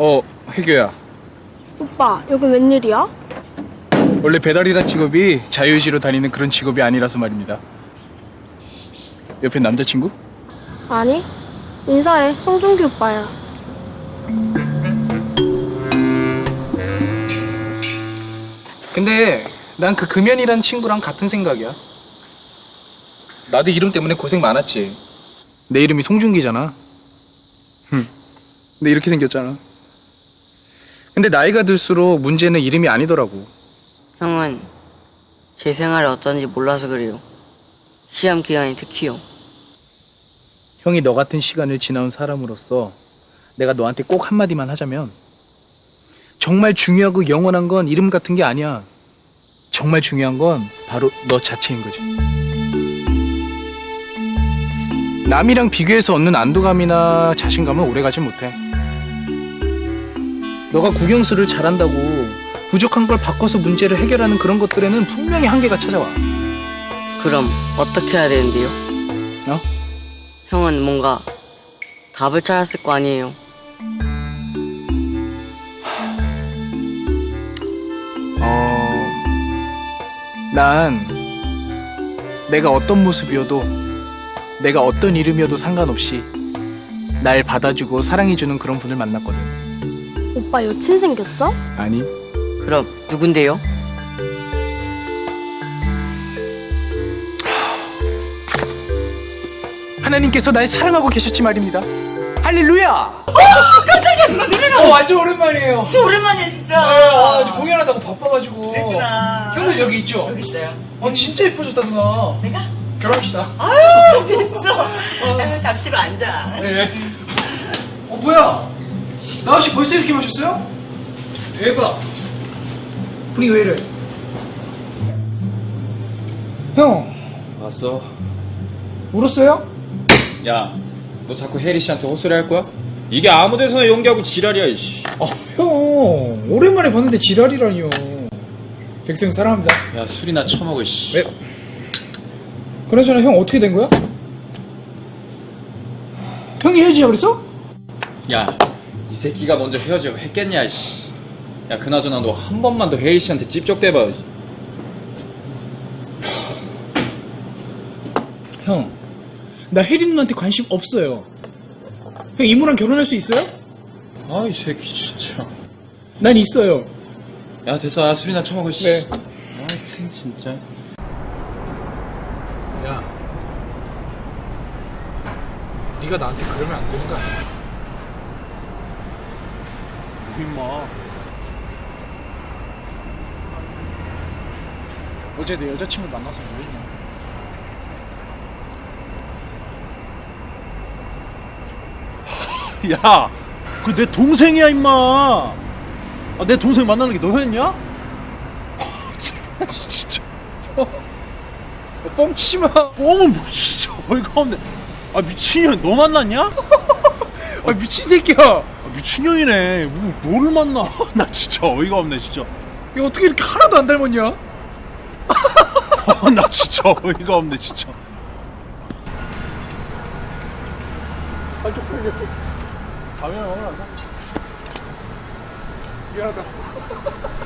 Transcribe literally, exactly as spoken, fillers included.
어, 혜교야. 오빠, 여기 웬일이야? 원래 배달이란 직업이 자유의지로 다니는 그런 직업이 아니라서 말입니다. 옆에 남자친구? 아니, 인사해. 송중기 오빠야. 근데 난 그 금연이란 친구랑 같은 생각이야. 나도 이름 때문에 고생 많았지. 내 이름이 송중기잖아. 흠. 근데 이렇게 생겼잖아. 근데 나이가 들수록 문제는 이름이 아니더라고. 형은 제 생활이 어떤지 몰라서 그래요. 시험 기간이 특히요. 형이 너 같은 시간을 지나온 사람으로서 내가 너한테 꼭 한마디만 하자면, 정말 중요하고 영원한 건 이름 같은 게 아니야. 정말 중요한 건 바로 너 자체인 거지. 남이랑 비교해서 얻는 안도감이나 자신감은 오래가지 못해. 너가 국영수를 잘한다고 부족한 걸 바꿔서 문제를 해결하는 그런 것들에는 분명히 한계가 찾아와. 그럼 어떻게 해야 되는데요? 어? 형은 뭔가 답을 찾았을 거 아니에요. 어... 난 내가 어떤 모습이어도, 내가 어떤 이름이어도 상관없이 날 받아주고 사랑해주는 그런 분을 만났거든. 오빠 여친 생겼어? 아니, 그럼 누군데요? 하나님께서 날 사랑하고 계셨지 말입니다. 할렐루야! 깜짝이야, 순간 놀래라. 어, 완전 오랜만이에요. 진짜 오랜만이야, 진짜. 아, 아, 공연하다고 바빠가지고. 그랬구나. 형들 여기 있죠? 여기 있어요. 어, 진짜 예뻐졌다, 누나. 내가? 결혼합시다. 아유, 됐어. 아유, 닥치고 앉아. 네. 어, 뭐야? 나아씨 벌써 이렇게 마셨어요? 대박. 분위기 왜 이래? 형, 왔어. 울었어요? 야, 너 자꾸 혜리 씨한테 헛소리 할 거야? 이게 아무 데서나 연기하고 지랄이야, 이씨. 아, 형. 오랜만에 봤는데 지랄이라니요. 백생 사랑합니다. 야, 술이나 처먹어, 씨. 왜? 그나저나 형 어떻게 된 거야? 형이 헤어지자 그랬어? 야, 이 새끼가 먼저 헤어지고 했겠냐, 씨. 야, 그나저나 너 한 번만 더 혜리 씨한테 찝쩍대봐. 형, 나 혜리 누나한테 관심 없어요. 형 이모랑 결혼할 수 있어요? 아, 이 새끼, 진짜. 난 있어요. 야, 됐어. 야, 술이나 처먹어, 씨. 네. 하여튼, 진짜. 야, 네가 나한테 그러면 안 되는 거 아니야? 뭐 임마. 어제 내 여자친구 만나서 뭐 했냐? 야, 그 내 동생이야 임마. 아, 내 동생 만나는 게 너였냐? 진짜. 어, 뻥치지 마. 어머 뭐 진짜 어이가 없네. 아 미친년 너 만났냐? 아, 미친 새끼야. 아, 미친년이네. 뭐 너를 만나? 나 진짜 어이가 없네 진짜. 야, 어떻게 이렇게 하나도 안 닮았냐? 아, 나 진짜 어이가 없네 진짜. 아, 쪽팔려. 가면 오늘 미안하다.